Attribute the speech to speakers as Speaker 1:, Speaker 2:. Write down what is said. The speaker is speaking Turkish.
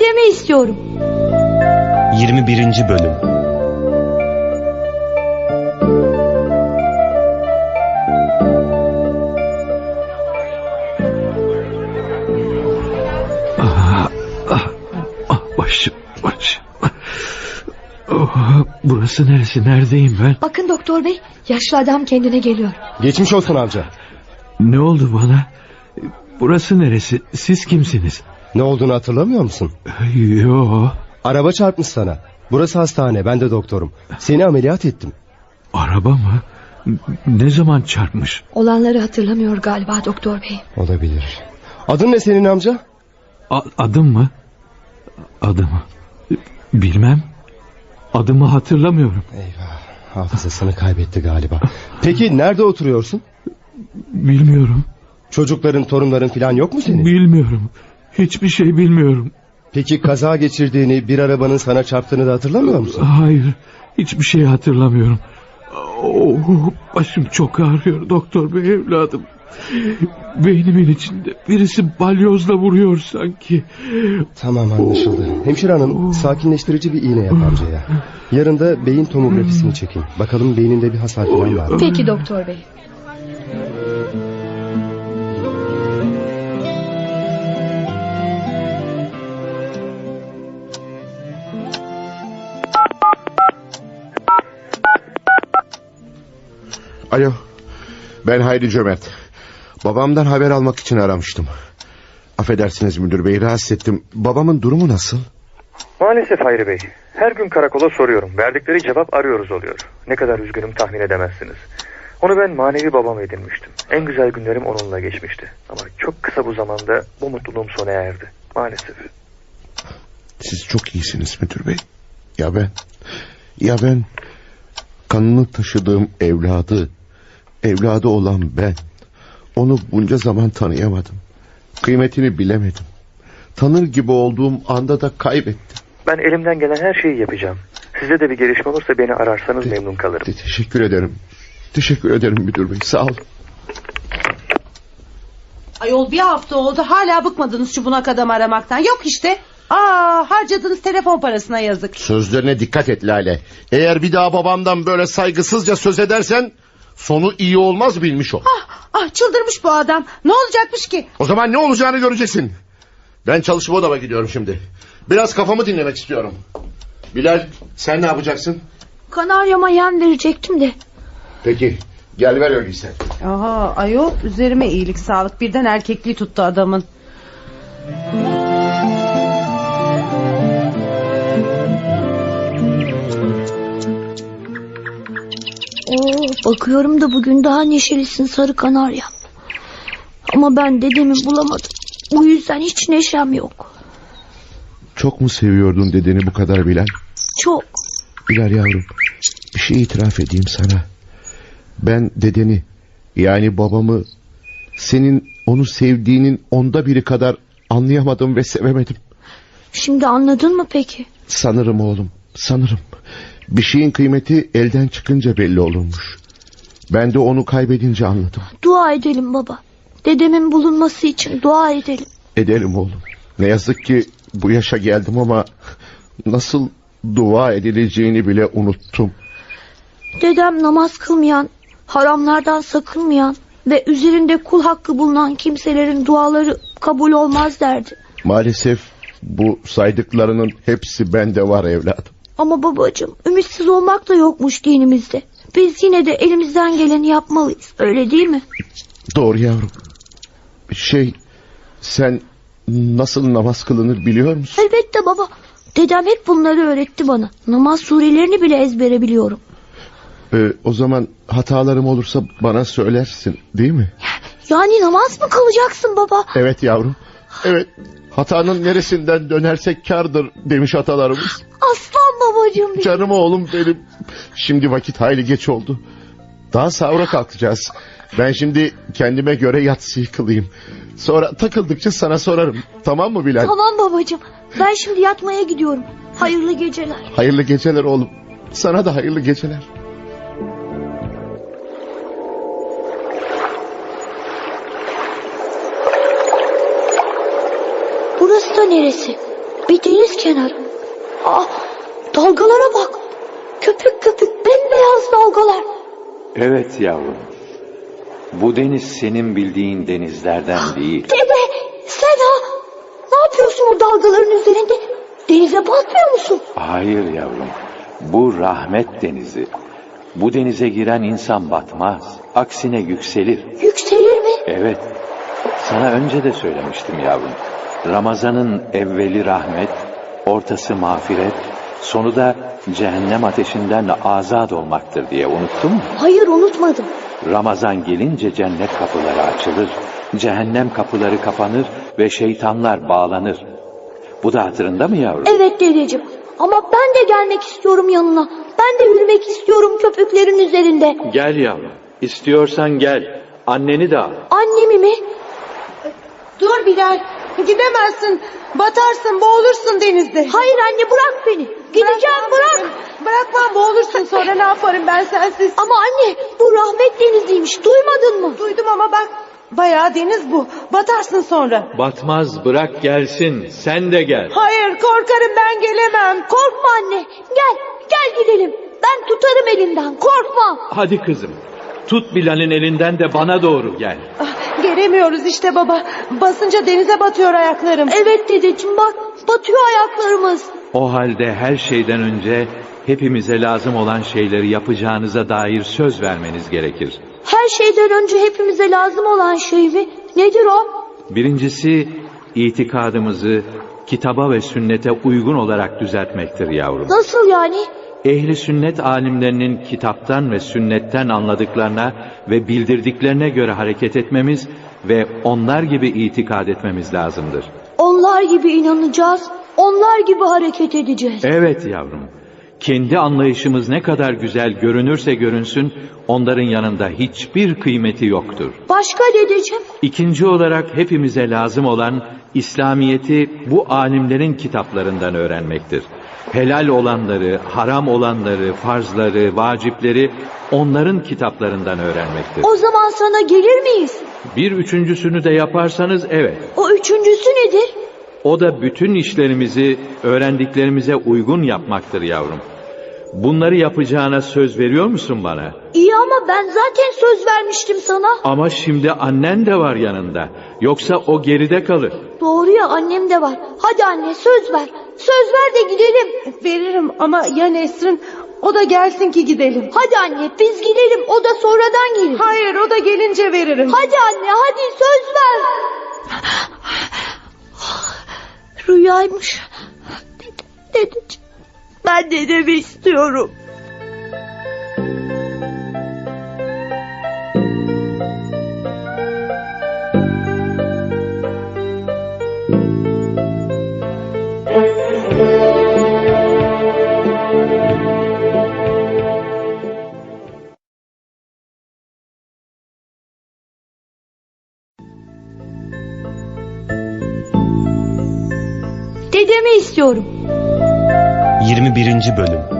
Speaker 1: Bitirme istiyorum.
Speaker 2: 21. Bölüm.
Speaker 3: Başım. Burası neresi? Neredeyim ben?
Speaker 1: Bakın doktor bey, yaşlı adam kendine geliyor.
Speaker 4: Geçmiş olsun amca.
Speaker 3: Ne oldu bana? Burası neresi? Siz kimsiniz?
Speaker 4: Ne olduğunu hatırlamıyor musun?
Speaker 3: Yo.
Speaker 4: Araba çarpmış sana. Burası hastane, ben de doktorum. Seni ameliyat ettim.
Speaker 3: Araba mı? Ne zaman çarpmış?
Speaker 1: Olanları hatırlamıyor galiba doktor bey.
Speaker 4: Olabilir. Adın ne senin amca?
Speaker 3: Adım mı? Adımı bilmem. Adımı hatırlamıyorum.
Speaker 4: Eyvah, hafızasını kaybetti galiba. Peki nerede oturuyorsun?
Speaker 3: Bilmiyorum.
Speaker 4: Çocukların, torunların falan yok mu senin?
Speaker 3: Bilmiyorum. Hiçbir şey bilmiyorum.
Speaker 4: Peki kaza geçirdiğini, bir arabanın sana çarptığını da hatırlamıyor musun?
Speaker 3: Hayır. Hiçbir şey hatırlamıyorum. Başım çok ağrıyor doktor bey evladım. Beynimin içinde birisi balyozla vuruyor sanki.
Speaker 4: Tamam, anlaşıldı. Hemşire hanım, sakinleştirici bir iğne yap amcaya. Yarın da beyin tomografisini çekin. Bakalım beyninde bir hasar falan var mı?
Speaker 1: Peki doktor bey.
Speaker 5: Alo, ben Hayri Cömert. Babamdan haber almak için aramıştım. Affedersiniz müdür bey, rahatsız ettim. Babamın durumu nasıl?
Speaker 6: Maalesef Hayri Bey. Her gün karakola soruyorum. Verdikleri cevap arıyoruz oluyor. Ne kadar üzgünüm tahmin edemezsiniz. Onu ben manevi babam edinmiştim. En güzel günlerim onunla geçmişti. Ama çok kısa bu zamanda bu mutluluğum sona erdi. Maalesef.
Speaker 5: Siz çok iyisiniz müdür bey. Ya ben kanını taşıdığım evladı olan ben. Onu bunca zaman tanıyamadım. Kıymetini bilemedim. Tanır gibi olduğum anda da kaybettim.
Speaker 6: Ben elimden gelen her şeyi yapacağım. Size de bir gelişme olursa beni ararsanız memnun kalırım.
Speaker 5: Teşekkür ederim. Teşekkür ederim müdür bey, sağ ol.
Speaker 7: Ayol bir hafta oldu, hala bıkmadınız şu bunak adam aramaktan. Yok işte. Harcadığınız telefon parasına yazık.
Speaker 5: Sözlerine dikkat et Lale. Eğer bir daha babamdan böyle saygısızca söz edersen sonu iyi olmaz, bilmiş ol.
Speaker 7: Çıldırmış bu adam. Ne olacakmış ki?
Speaker 5: O zaman ne olacağını göreceksin. Ben çalışma odama gidiyorum şimdi. Biraz kafamı dinlemek istiyorum. Bilal, sen ne yapacaksın?
Speaker 1: Kanaryama yem verecektim de.
Speaker 5: Peki, gel ver öyleyse.
Speaker 7: Ayol üzerime iyilik sağlık, birden erkekliği tuttu adamın.
Speaker 1: Bakıyorum da bugün daha neşelisin sarı kanaryam. Ama ben dedemi bulamadım. Bu yüzden hiç neşem yok.
Speaker 5: Çok mu seviyordun dedeni bu kadar Bilal?
Speaker 1: Çok.
Speaker 5: Bilal yavrum, bir şey itiraf edeyim sana. Ben dedeni, yani babamı, senin onu sevdiğinin 1/10 kadar anlayamadım ve sevemedim.
Speaker 1: Şimdi anladın mı peki?
Speaker 5: Sanırım oğlum, sanırım. Bir şeyin kıymeti elden çıkınca belli olurmuş. Ben de onu kaybedince anladım.
Speaker 1: Dua edelim baba. Dedemin bulunması için dua edelim.
Speaker 5: Edelim oğlum. Ne yazık ki bu yaşa geldim ama nasıl dua edileceğini bile unuttum.
Speaker 1: Dedem namaz kılmayan, haramlardan sakınmayan ve üzerinde kul hakkı bulunan kimselerin duaları kabul olmaz derdi.
Speaker 5: Maalesef bu saydıklarının hepsi bende var evladım.
Speaker 1: Ama babacığım, ümitsiz olmak da yokmuş dinimizde. Biz yine de elimizden geleni yapmalıyız, öyle değil mi?
Speaker 5: Doğru yavrum. Sen nasıl namaz kılınır biliyor musun?
Speaker 1: Elbette baba. Dedem hep bunları öğretti bana. Namaz surelerini bile ezbere biliyorum.
Speaker 5: O zaman hatalarım olursa bana söylersin, değil mi?
Speaker 1: Yani namaz mı kılacaksın baba?
Speaker 5: Evet yavrum. Evet. Hatanın neresinden dönersek kârdır demiş atalarımız.
Speaker 1: Aslan babacığım benim.
Speaker 5: Canım oğlum benim. Şimdi vakit hayli geç oldu. Daha sahura kalkacağız. Ben şimdi kendime göre yatsıyı kılayım. Sonra takıldıkça sana sorarım. Tamam mı Bilal?
Speaker 1: Tamam babacığım. Ben şimdi yatmaya gidiyorum. Hayırlı geceler.
Speaker 5: Hayırlı geceler oğlum. Sana da hayırlı geceler.
Speaker 1: Burası da neresi? bir deniz kenarı. Dalgalara bak. Köpük köpük bembeyaz dalgalar.
Speaker 2: Evet yavrum. Bu deniz senin bildiğin denizlerden değil.
Speaker 1: Dede sen ne yapıyorsun o dalgaların üzerinde? Denize batmıyor musun?
Speaker 2: Hayır yavrum. Bu rahmet denizi. Bu denize giren insan batmaz. Aksine yükselir.
Speaker 1: Yükselir mi?
Speaker 2: Evet. Sana önce de söylemiştim yavrum. Ramazanın evveli rahmet, ortası mağfiret, sonu da cehennem ateşinden azat olmaktır diye unuttun mu?
Speaker 1: Hayır unutmadım.
Speaker 2: Ramazan gelince cennet kapıları açılır, cehennem kapıları kapanır ve şeytanlar bağlanır. Bu da hatırında mı yavrum?
Speaker 1: Evet dedeciğim. Ama ben de gelmek istiyorum yanına. Ben de yürümek istiyorum köpüklerin üzerinde.
Speaker 2: Gel yavrum. İstiyorsan gel. Anneni de al.
Speaker 1: Annemi mi?
Speaker 7: Dur Bilal. Gidemezsin. Batarsın, boğulursun denizde.
Speaker 1: Hayır anne bırak beni. Gideceğim bırak.
Speaker 7: Bırakmam, boğulursun, sonra ne yaparım ben sensiz?
Speaker 1: Ama anne bu rahmet deniziymiş. Duymadın mı?
Speaker 7: Duydum ama bak. Bayağı deniz bu. Batarsın sonra.
Speaker 2: Batmaz, bırak gelsin. Sen de gel.
Speaker 7: Hayır, korkarım, ben gelemem.
Speaker 1: Korkma anne. Gel gidelim. Ben tutarım elinden. Korkma.
Speaker 2: Hadi kızım. Tut Bilal'in elinden de bana doğru gel.
Speaker 7: Gelemiyoruz işte baba. Basınca denize batıyor ayaklarım.
Speaker 1: Evet dedeciğim bak. Batıyor ayaklarımız.
Speaker 2: O halde her şeyden önce hepimize lazım olan şeyleri yapacağınıza dair söz vermeniz gerekir.
Speaker 1: Her şeyden önce hepimize lazım olan şey mi? Nedir o?
Speaker 2: Birincisi itikadımızı kitaba ve sünnete uygun olarak düzeltmektir yavrum.
Speaker 1: Nasıl yani?
Speaker 2: Ehli sünnet alimlerinin kitaptan ve sünnetten anladıklarına ve bildirdiklerine göre hareket etmemiz ve onlar gibi itikad etmemiz lazımdır.
Speaker 1: Onlar gibi inanacağız. Onlar gibi hareket edeceğiz.
Speaker 2: Evet yavrum. Kendi anlayışımız ne kadar güzel görünürse görünsün, onların yanında hiçbir kıymeti yoktur.
Speaker 1: Başka dedeciğim?
Speaker 2: İkinci olarak hepimize lazım olan İslamiyet'i bu alimlerin kitaplarından öğrenmektir. Helal olanları, haram olanları, farzları, vacipleri onların kitaplarından öğrenmektir.
Speaker 1: O zaman sana gelir miyiz?
Speaker 2: Bir üçüncüsünü de yaparsanız evet.
Speaker 1: O üçüncüsü nedir?
Speaker 2: O da bütün işlerimizi öğrendiklerimize uygun yapmaktır yavrum. Bunları yapacağına söz veriyor musun bana?
Speaker 1: İyi ama ben zaten söz vermiştim sana.
Speaker 2: Ama şimdi annen de var yanında. Yoksa o geride kalır.
Speaker 1: Doğru ya annem de var. Hadi anne söz ver. Söz ver de gidelim.
Speaker 7: Veririm ama ya Nesrin? O da gelsin ki gidelim.
Speaker 1: Hadi anne biz gidelim. O da sonradan gelir.
Speaker 7: Hayır, o da gelince veririm.
Speaker 1: Hadi anne hadi söz ver. Rüyaymış. Dedeciğim. Ben dedemi istiyorum. Dedemi istiyorum.
Speaker 8: 21. Bölüm